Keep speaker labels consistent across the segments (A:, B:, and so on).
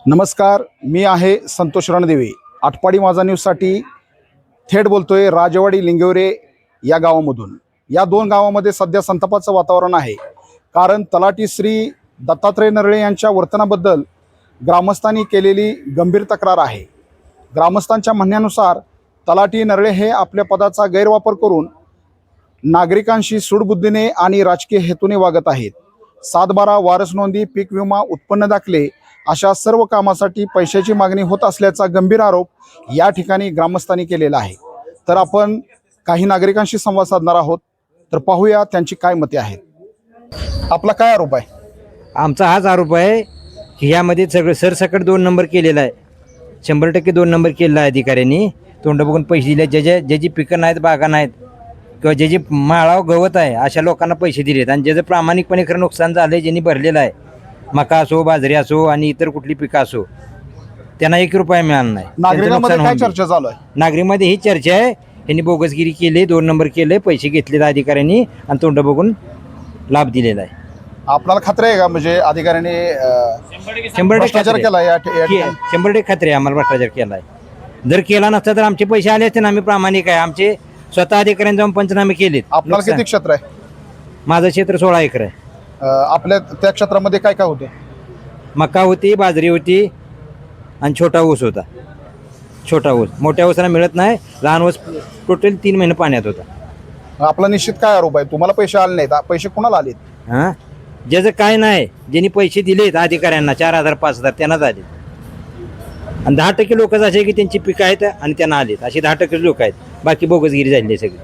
A: नमस्कार, मी आहे संतोष रणदेवे. आटपाडी माझा न्यूजसाठी थेट बोलतोय राजवाडी लिंगेवरे या गावामधून. या दोन गावामध्ये सध्या संतापाचं वातावरण आहे, कारण तलाठी श्री दत्तात्रय नरळे यांच्या वर्तनाबद्दल ग्रामस्थांनी केलेली गंभीर तक्रार आहे. ग्रामस्थांच्या म्हणण्यानुसार तलाठी नरळे हे आपल्या पदाचा गैरवापर करून नागरिकांशी सूडबुद्धीने आणि राजकीय हेतूने वागत आहेत. 7/12 वारस नोंदी, पीक विमा, उत्पन्न दाखले अशा सर्व कामासाठी पैशाची मागणी होत असल्याचा गंभीर आरोप या ठिकाणी ग्रामस्थांनी केलेला आहे. तर आपण काही नागरिकांशी संवाद साधणार आहोत, तर पाहूया त्यांची काय मते आहेत. आपला काय आरोप आहे?
B: आमचा हाच आरोप आहे की यामध्ये सगळं सरसकट 2 नंबर केलेला आहे. 100% 2 नंबर केलेला आहे अधिकाऱ्यांनी. तोंड बघून पैसे दिले. ज्याची पिकं नाहीत, बागा नाहीत किंवा ज्याची माळाव गवत आहे अशा लोकांना पैसे दिलेत. आणि ज्याचं प्रामाणिकपणे खरं नुकसान झालं आहे, ज्यांनी भरलेलं आहे, मका असो, बाजरी असो आणि इतर कुठली पिकं असो, त्यांना 1 रुपया मिळाला नाही.
A: नागरिकांमध्ये काय चर्चा चालू आहे?
B: नागरिकांमध्ये ही चर्चा आहे, यांनी बोगसगिरी केली, 2 नंबर केले, पैसे घेतलेत अधिकाऱ्यांनी आणि तोंड बघून लाभ दिलेला आहे.
A: आपल्याला खात्री आहे का, म्हणजे अधिकाऱ्यांनी
B: 100%
A: भ्रष्टाचार केला या ठिकाणी?
B: 100% खात्री आहे आम्हाला भ्रष्टाचार केला आहे. जर केला नसता तर आमचे पैसे आले असते ना. आम्ही प्रामाणिक आहे. आमचे स्वतः अधिकाऱ्यांनी जाऊन पंचनामे केलेत.
A: आपल्याला किती क्षेत्र आहे?
B: माझं क्षेत्र 16 एकर आहे.
A: आपल्या त्या क्षेत्रामध्ये काय काय होते?
B: मका होती, बाजरी होती आणि छोटा ऊस होता. छोटा ऊस, मोठ्या ऊसाला मिळत नाही. लहान ऊस टोटल 3 महिने पाण्यात होता.
A: आपला निश्चित काय आरोप आहे? तुम्हाला पैसे आले नाहीत, पैसे कोणाला आलेत?
B: हां, ज्याचं काय नाही, ज्यांनी पैसे दिलेत अधिकाऱ्यांना 4,000 5,000 त्यांनाच आले. आणि 10% लोक असे की त्यांची पिकं आहेत आणि त्यांना आलेत, असे 10% लोक आहेत. बाकी बोगसगिरी झाली सगळी.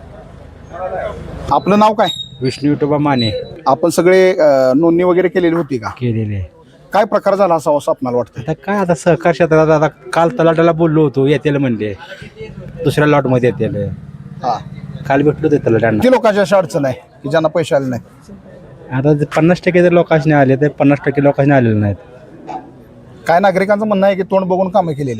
A: आपलं नाव काय?
C: विष्णू विठोबा माने.
A: आपण सगळे नोंदणी वगैरे केलेली होती का?
C: केलेले.
A: काय प्रकार झाला असावा असं आपल्याला वाटतं?
C: आता काय, आता सहकार क्षेत्रात आता काल तलाट्याला बोललो होतो, येतील म्हणले दुसऱ्या लॉटमध्ये येतील.
A: हा,
C: काल भेटलो होते तलाट्यांना.
A: किती लोकांची अशी अडचण आहे की ज्यांना पैसे आले नाहीत?
C: आता 50% जर लोकांनी आले तर 50% लोकांनी आलेले नाहीत.
A: काय नागरिकांचं म्हणणं आहे की तोंड बघून कामं केलेली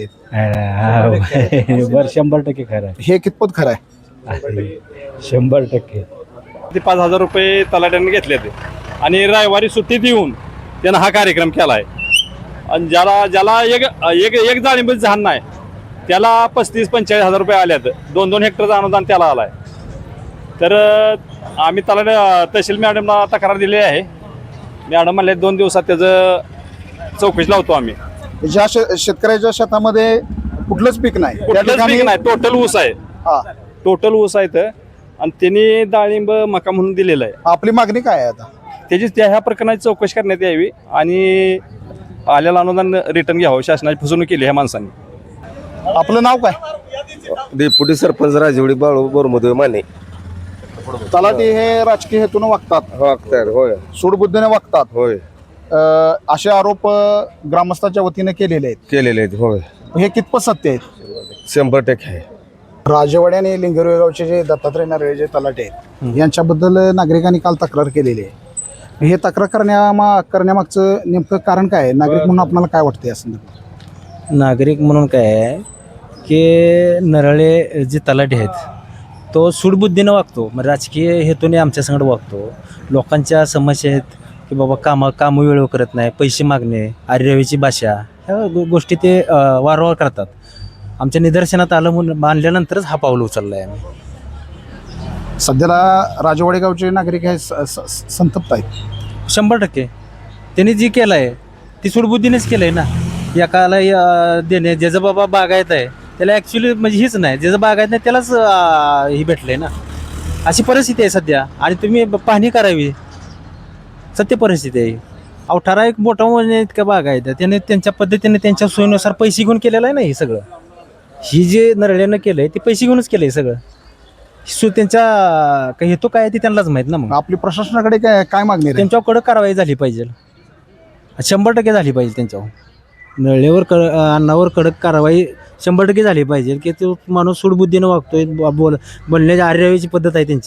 A: आहेत.
C: बरं, 100% खरं
A: हे कितपत खरं आहे?
C: आहे. 100%.
D: ते 5,000 रुपये तलाट्याने घेतले ते आणि रविवारी सुट्टी देऊन त्यानं हा कार्यक्रम केला आहे. आणि ज्याला एक जाळीमध्ये झाड नाही त्याला 35-45 हजार रुपये आल्यात. 2-2 हेक्टरचं अनुदान त्याला आलं आहे. तर आम्ही तहसील मॅडमला तक्रार दिली आहे. मॅडम म्हणले 2 दिवसात त्याचं चौकशी लावतो आम्ही.
A: ज्या शेतकऱ्याच्या शेतामध्ये कुठलंच पीक नाही, त्या
D: कुठलंच
A: ठिकाणी
D: पीक नाही, टोटल ऊस आहे.
A: हा,
D: टोटल ऊस आहे तर. आणि त्यांनी डाळिंब मका म्हणून दिलेलं आहे.
A: आपली मागणी काय आहे आता?
D: त्याची ह्या प्रकरणाची चौकशी करण्यात यावी आणि आलेलं अनुदान रिटर्न घ्यावं. शासनाची फसवणूक केली ह्या माणसांनी.
A: आपलं नाव काय?
E: डेप्युटी सरपंच राजवडी बाळू बोरमदेव माने.
A: तलाठी हे राजकीय हेतून वागतात,
E: वागतात. होय
A: सूडबुद्धीने वागतात,
E: होय
A: असे आरोप ग्रामस्थांच्या वतीने केलेले आहेत.
E: केलेले आहेत. होय
A: हे कितपत सत्य आहेत?
E: 100% आहे.
A: राजवाडी आणि लिंगेवरे गावचे जे दत्तात्रय नरळे जे तलाटे आहेत, यांच्याबद्दल नागरिकांनी काल तक्रार केलेली आहे. हे तक्रार करण्यामागचं नेमकं कारण काय आहे? नागरिक म्हणून आपल्याला काय वाटतं या संदर्भात?
F: नागरिक म्हणून काय आहे की नरळे जे तलाठी आहेत तो सूडबुद्धीनं वागतो. मग राजकीय हेतूने आमच्यासंगड वागतो. लोकांच्या समस्या आहेत की बाबा कामं वेळेवर करत नाही, पैसे मागणे, आर्यवेची भाषा, ह्या गोष्टी ते वारंवार करतात. आमच्या निदर्शनात आलं म्हणून मानल्यानंतरच हा पाऊल उचलला आहे आम्ही.
A: सध्याला राजवाडी गावचे नागरिक हे संतप्त आहेत.
F: 100% त्यांनी जी केलं आहे ती सूडबुद्धीनेच केलं आहे ना. एकाला देणे, ज्याचं बाबा बागायत आहे त्याला ॲक्च्युली म्हणजे हीच नाही, ज्याचं बागायत नाही त्यालाच ही भेटलं आहे ना. अशी परिस्थिती आहे सध्या. आणि तुम्ही पाहणी करावी, सत्य परिस्थिती आहे. अहो, ठराविक मोठा म्हणजे इतक्या बागायत त्याने त्यांच्या पद्धतीने त्यांच्या सोयीनुसार पैसे घेऊन केलेलं आहे ना हे सगळं. ही जे नरळ्यानं केलं आहे ते पैसे घेऊनच केलं आहे सगळं. त्यांच्या काही हेतू काय आहे ते त्यांनाच माहीत ना. मग
A: आपली प्रशासनाकडे काय मागणी आहे?
F: त्यांच्यावर कडक कारवाई झाली पाहिजे. 100% झाली पाहिजे त्यांच्यावर. नळेवर अन्नावर कडक कारवाई 100% झाली पाहिजे की तो माणूस सूडबुद्धीनं वागतोय. बोलण्याची आर्यवेची पद्धत आहे त्यांची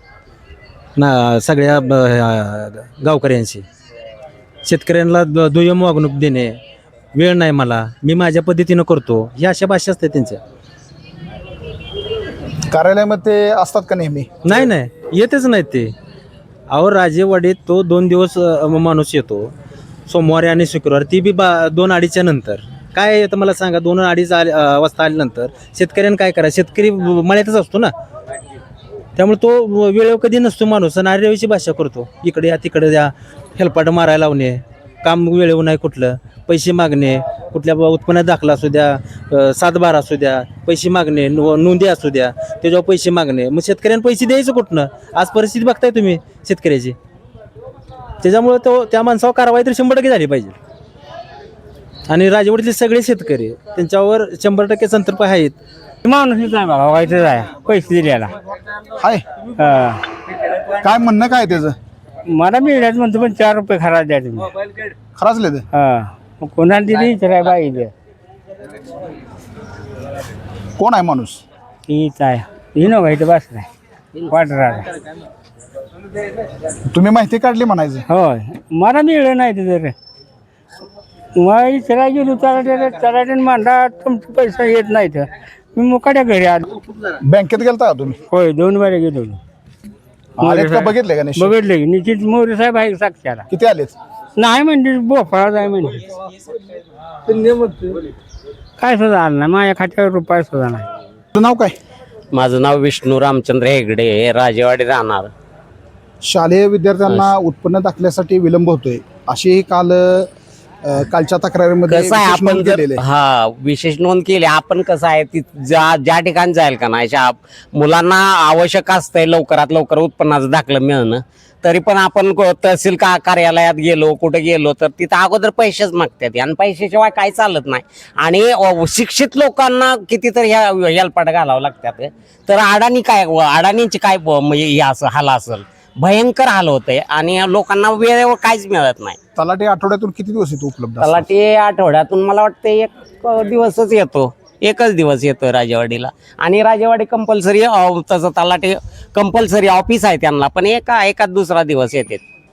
F: ना सगळ्या गावकऱ्यांशी. शेतकऱ्यांना दुय्यम वागणूक देणे, वेळ नाही मला, मी माझ्या पद्धतीनं करतो, ह्या अशा भाषा असतात त्यांच्या.
A: कार्यालयामध्ये असतात का नेहमी?
F: नाही, येतच नाहीत ते. अहो, राजेवाडीत तो 2 दिवस माणूस येतो, सोमवारी आणि शुक्रवार ती बी 2-2:30च्या नंतर. काय आहे तर मला सांगा, 2-2:30 वाजता आल्यानंतर शेतकऱ्यानं काय करा, शेतकरी मळ्यातच असतो ना, त्यामुळे तो वेळेवर कधी नसतो माणूस आणि आरेवाची भाषा करतो, इकडे या तिकडे द्या, हेलपाट मारायला लावणे, काम वेळेवर नाही कुठलं, पैसे मागणे, कुठल्या उत्पन्नात दाखला असू द्या, 7-12 असू द्या, पैसे मागणे, नोंदी असू द्या, त्याच्यावर पैसे मागणे. मग शेतकऱ्यांना पैसे द्यायचं कुठनं? आज परिस्थिती बघताय तुम्ही शेतकऱ्याची. त्याच्यामुळे तो त्या माणसावर कारवाई तर 100% झाली पाहिजे. आणि राजवाडीतले सगळे शेतकरी त्यांच्यावर 100% संतर्प आहेत.
G: माणूस नाही बाबा, व्हायचं आहे पैसे दिल्याला.
A: हाय काय म्हणणं काय त्याचं?
G: मला मिळण्यात म्हणतो, पण 4 रुपये खरा द्या तुम्ही.
A: खराचले ते
G: हा, कोणाला दिली इतर बाई
A: कोण आहे माणूस?
G: तीच आहे, ही न व्हायचं बस नाही वाटरा.
A: तुम्ही माहिती काढली म्हणायचं.
G: होय, मला मिळलं नाही ते जर मग इचरा गेलो तलाट्याने मांडा तुमचे पैसा येत नाही तर मी मुकाट्या घरी आलो.
A: बँकेत गेलता का तुम्ही?
G: होय, 2 बारे गेलो.
A: आलेत का बघितले का निश्चित?
G: बघितले की निश्चित मोरे साहेब आहे साक्षाला.
A: किती आलेत?
G: नाही म्हणजे बोफळा जाय म्हणजे काय सुद्धा आलं नाही, माझ्या खात्यावर रुपये सुद्धा नाही.
A: तुझं नाव काय?
H: माझं नाव विष्णू रामचंद्र हेगडे, राजेवाडी राहणार.
A: शालेय विद्यार्थ्यांना उत्पन्न दाखल्यासाठी विलंब होतोय अशी काल कालच्या तक्रारीमध्ये
H: कसं आहे,
A: विशेष
H: आपण
A: नोंद
H: जर
A: केलेली आहे.
H: विशेष नोंद केली. आपण कसं आहे ती ज्या ठिकाणी जाईल का नाही, मुलांना आवश्यक असतंय लवकरात लवकर उत्पन्नाचं दाखलं मिळणं, तरी पण आपण तहसील कार्यालयात गेलो, कुठे गेलो तर तिथं अगोदर पैसेच मागतात आणि पैशाशिवाय काही चालत नाही. आणि शिक्षित लोकांना कितीतरी ह्या हेलपाट घालावं लागतात. तर अडाणींची काय म्हणजे हे असं हाल असेल, भयंकर हाल होते आणि लोकांना वेळेवर काहीच मिळत नाही.
A: तलाठी आठवड्यातून किती दिवस येतो उपलब्ध?
H: तलाठी आठवड्यातून मला वाटतं 1 दिवसच येतो, 1च दिवस येतो राजेवाडीला. आणि राजेवाडी कंपल्सरी तसं तलाठी कंपल्सरी ऑफिस आहे त्यांना, पण एकाच दुसरा दिवस येते.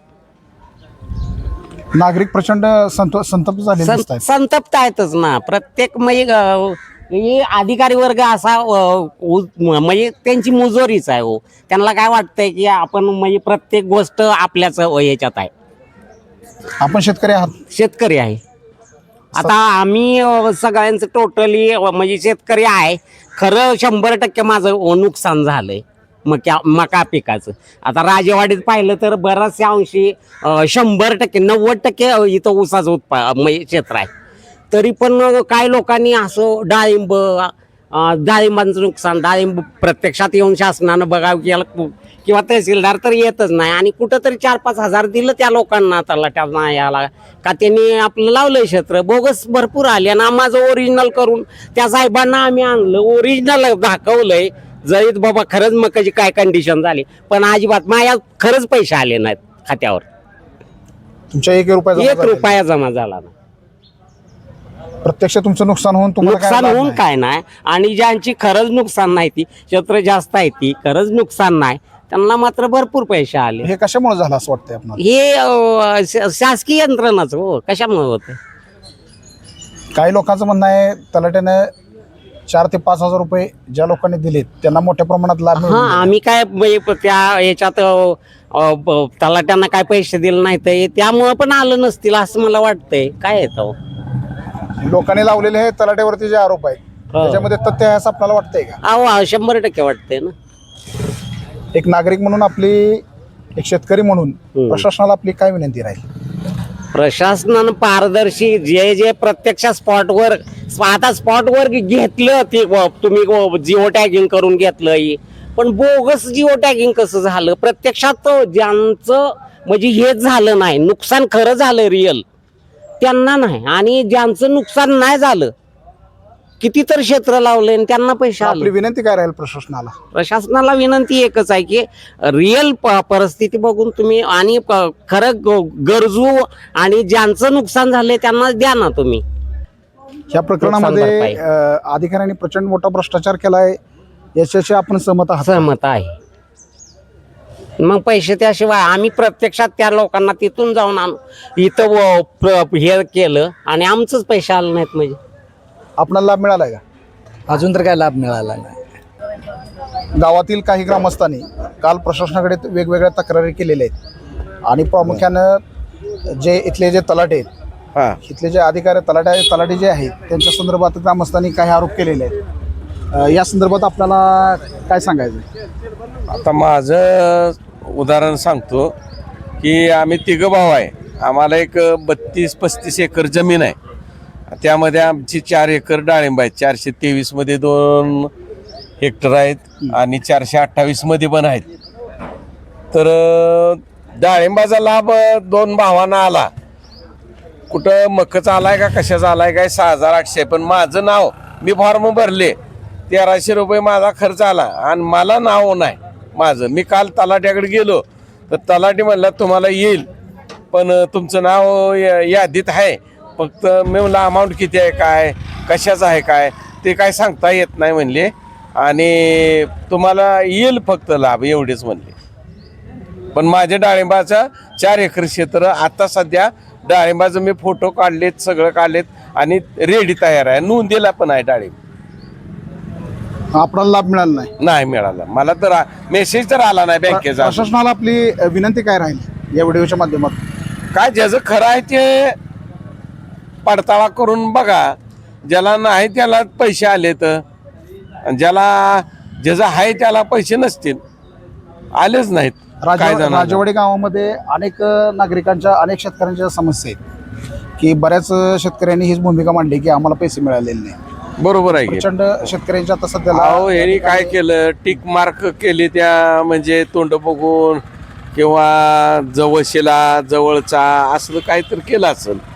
A: नागरिक प्रचंड संतप्त झाले दिसत आहेत.
H: संतप्त आहेतच ना. प्रत्येक म्हणजे अधिकारी वर्ग असा म्हणजे त्यांची मुजोरीच आहे हो. त्यांना काय वाटतंय की आपण म्हणजे प्रत्येक गोष्ट आपल्याच याच्यात आहे.
A: आपण शेतकरी आहात.
H: शेतकरी आहे. आता आम्ही सगळ्यांचं टोटली म्हणजे शेतकरी आहे. खरं 100% माझं नुकसान झालंय मका पिकाचं. आता राजेवाडीत पाहिलं तर बऱ्याचशा अंशी 100% 90% इथं ऊसाचं म्हणजे क्षेत्र आहे. तरी पण काही लोकांनी असं डाळिंबांचं नुकसान, डाळिंब प्रत्यक्षात येऊन शासनानं बघावं केलं किंवा तहसीलदार तर येतच नाही. आणि कुठंतरी 4-5 हजार दिलं त्या लोकांना तलाट्यांना याला का त्यांनी आपलं लावलंय क्षेत्र. बोगस भरपूर आले आणि माझं ओरिजिनल करून त्या साहेबांना आम्ही आणलं, ओरिजिनल दाखवलंय जरीत बाबा खरंच मकाची काय कंडिशन झाली, पण अजिबात माझ्या खरंच पैसे आले नाहीत खात्यावर.
A: तुमच्या 1
H: रुपया जमा झाला नाही.
A: प्रत्यक्ष तुमचं नुकसान होऊन तुम्हाला काय
H: नुकसान
A: लाभ
H: होऊन
A: नाही?
H: काय नाही. आणि ज्यांची खरंच नुकसान नाही, ती क्षेत्र जास्त आहे, ती खरंच नुकसान नाही, त्यांना मात्र भरपूर पैसे आले.
A: हे कशामुळे झालं असं वाटतंय आपल्याला?
H: हे शासकीय यंत्रणाच हो. कशामुळे होतं?
A: काही लोकांचं म्हणणं आहे तलाट्यानं 4 ते 5 हजार रुपये ज्या लोकांनी दिलेत त्यांना मोठ्या प्रमाणात लाभ
H: हा,
A: मिळाला.
H: आम्ही काय म्हणजे त्या याच्यात तलाट्यांना काय पैसे दिले नाही तर त्यामुळं पण आलं नसतील असं मला वाटतंय. काय येतं
A: लोकांनी लावलेले हे तलाट्यावरती जे आरोप आहेत त्याच्यामध्ये तथ्य आहे असं आपल्याला वाटतंय का?
H: अहो 100% वाटतंय ना.
A: एक नागरिक म्हणून आपली, एक शेतकरी म्हणून प्रशासनाला आपली काय विनंती राहील?
H: प्रशासनानं पारदर्शी जे प्रत्यक्ष स्पॉटवर आता स्पॉटवर घेतलं ते तुम्ही जिओ टॅगिंग करून घेतलं, पण बोगस जिओ टॅगिंग कसं झालं? प्रत्यक्षात ज्यांचं म्हणजे हेच झालं नाही, नुकसान खरं झालं रिअल, त्यांना नाही. आणि ज्यांचं नुकसान नाही झालं, कितीतरी क्षेत्र लावले आणि त्यांना पैसे
A: आपली
H: आले.
A: विनंती काय राहील प्रशासनाला?
H: प्रशासनाला विनंती एकच आहे की रिअल परिस्थिती बघून तुम्ही आणि खरं गरजू आणि ज्यांचं नुकसान झालंय त्यांना द्या ना तुम्ही.
A: या प्रकरणामध्ये
H: भरपाई.
A: अधिकाऱ्यांनी प्रचंड मोठा भ्रष्टाचार केलाय याच्याशी आपण सहमत आहात?
H: सहमत आहे. मग पैसे त्याशिवाय आम्ही प्रत्यक्षात त्या लोकांना तिथून जाऊन आणू इथं हे केलं आणि आमचंच पैसे आले नाहीत. म्हणजे
A: आपल्याला लाभ मिळालाय का?
I: अजून तर काय लाभ मिळाला नाही.
A: गावातील काही ग्रामस्थांनी काल प्रशासनाकडे वेगवेगळ्या तक्रारी केलेल्या आहेत आणि प्रामुख्यानं जे इथले जे तलाटे आहेत,
E: हा
A: इथले जे अधिकारी तलाटे जे आहेत त्यांच्या संदर्भात ग्रामस्थांनी काही आरोप केलेले आहेत. या संदर्भात आपल्याला काय सांगायचं?
E: आता माझं उदाहरण सांगतो की आम्ही तिघं भाऊ आहे. आम्हाला एक 32-35 एकर जमीन आहे. त्यामध्ये आमची 4 एकर डाळिंब आहेत. 423 मध्ये 2 हेक्टर आहेत आणि 428 मध्ये पण आहेत. तर डाळिंबाचा लाभ 2 भावांना आला. कुठं मक्काचा आलाय का कशाचा आलाय काय 6,800. पण माझं नाव मी फॉर्म भरले 1,300 रुपये माझा खर्च आला आणि मला नाव नाही माझं. मी काल तलाट्याकडे गेलो तर तलाठी म्हणला तुम्हाला येईल पण तुमचं नाव यादीत आहे. फक्त मी म्हणलं अमाऊंट किती आहे काय कशाचं आहे काय ते काय सांगता येत नाही म्हणले आणि तुम्हाला येईल फक्त लाभ एवढेच म्हणले. पण माझ्या डाळिंबाचं 4 एकर क्षेत्र आता सध्या डाळिंबाचं मी फोटो काढलेत सगळं काढलेत आणि रेडी तयार आहे. नोंदीला पण आहे डाळिंब.
A: आपल्याला लाभ मिळाला
E: नाही मिळाला मला तर मेसेज तर आला नाही बँकेचा.
A: प्रशासनाला आपली विनंती काय राहील या व्हिडिओच्या माध्यमातून?
E: काय ज्याचं खरं आहे ते पडताळा करून बघा. ज्याला नाही त्याला पैसे आले तर ज्याचं आहे त्याला पैसे नसतील आलेच नाहीत. काय जाणार?
A: राजवाडी गावामध्ये अनेक नागरिकांच्या अनेक शेतकऱ्यांच्या समस्या आहेत की बऱ्याच शेतकऱ्यांनी हीच भूमिका मांडली की आम्हाला पैसे मिळालेले नाही.
E: बरोबर आहे की.
A: प्रचंड शेतकऱ्यांच्या आता सध्याला
E: अहो ह्यांनी काय केलं टिक मार्क केले त्या म्हणजे तोंड बघून किंवा जवळशीला जवळचा असं काहीतरी केलं असेल.